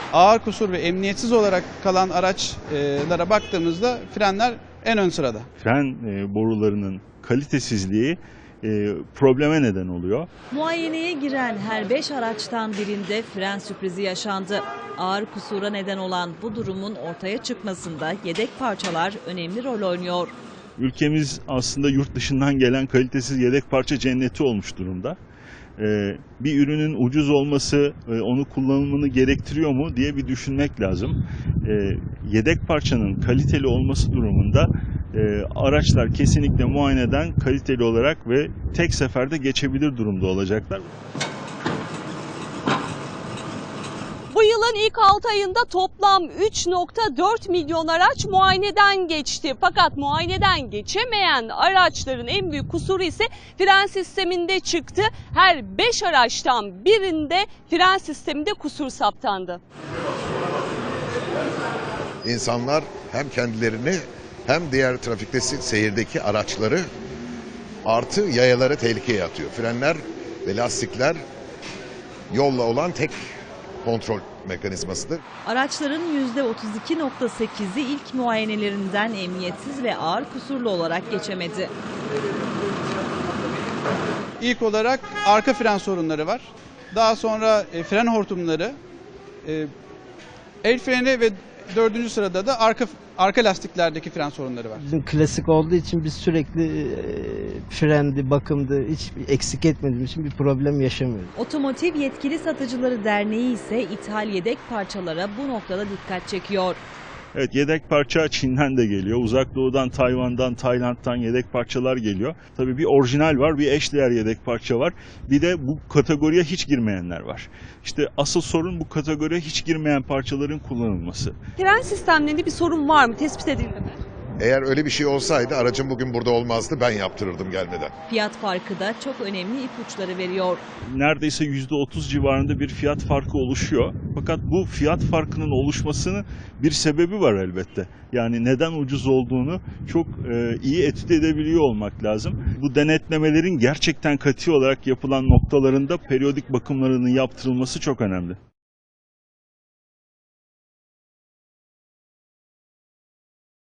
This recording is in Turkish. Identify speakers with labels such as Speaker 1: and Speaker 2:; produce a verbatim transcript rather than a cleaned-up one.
Speaker 1: Ağır kusur ve emniyetsiz olarak kalan araçlara baktığımızda frenler en ön sırada.
Speaker 2: Fren borularının kalitesizliği probleme neden oluyor.
Speaker 3: Muayeneye giren her beş araçtan birinde fren sürprizi yaşandı. Ağır kusura neden olan bu durumun ortaya çıkmasında yedek parçalar önemli rol oynuyor.
Speaker 2: Ülkemiz aslında yurt dışından gelen kalitesiz yedek parça cenneti olmuş durumda. Bir ürünün ucuz olması onu kullanımını gerektiriyor mu diye bir düşünmek lazım. Yedek parçanın kaliteli olması durumunda araçlar kesinlikle muayeneden kaliteli olarak ve tek seferde geçebilir durumda olacaklar.
Speaker 4: Bu yılın ilk altı ayında toplam üç nokta dört milyon araç muayeneden geçti. Fakat muayeneden geçemeyen araçların en büyük kusuru ise fren sisteminde çıktı. Her beş araçtan birinde fren sisteminde kusur saptandı.
Speaker 5: İnsanlar hem kendilerini hem diğer trafikte seyirdeki araçları artı yayaları tehlikeye atıyor. Frenler ve lastikler yolla olan tek kontrol mekanizmasıdır.
Speaker 3: Araçların yüzde otuz iki nokta sekizi ilk muayenelerinden emniyetsiz ve ağır kusurlu olarak geçemedi.
Speaker 1: İlk olarak arka fren sorunları var. Daha sonra e, fren hortumları, e, el freni ve dördüncü sırada da arka arka lastiklerdeki fren sorunları var.
Speaker 6: Bizim klasik olduğu için biz sürekli e, frendi, bakımdı, hiç eksik etmediğimiz için bir problem yaşamıyoruz.
Speaker 3: Otomotiv Yetkili Satıcıları Derneği ise ithal yedek parçalara bu noktada dikkat çekiyor.
Speaker 2: Evet, yedek parça Çin'den de geliyor. Uzak Doğu'dan, Tayvan'dan, Tayland'dan yedek parçalar geliyor. Tabii bir orijinal var, bir eşdeğer yedek parça var. Bir de bu kategoriye hiç girmeyenler var. İşte asıl sorun bu kategoriye hiç girmeyen parçaların kullanılması.
Speaker 4: Fren sistemlerinde bir sorun var mı? Tespit edildi mi?
Speaker 5: Eğer öyle bir şey olsaydı aracım bugün burada olmazdı, ben yaptırırdım gelmeden.
Speaker 3: Fiyat farkı da çok önemli ipuçları veriyor.
Speaker 2: Neredeyse yüzde otuz civarında bir fiyat farkı oluşuyor. Fakat bu fiyat farkının oluşmasının bir sebebi var elbette. Yani neden ucuz olduğunu çok e, iyi etüt edebiliyor olmak lazım. Bu denetlemelerin gerçekten katı olarak yapılan noktalarında periyodik bakımlarının yaptırılması çok önemli.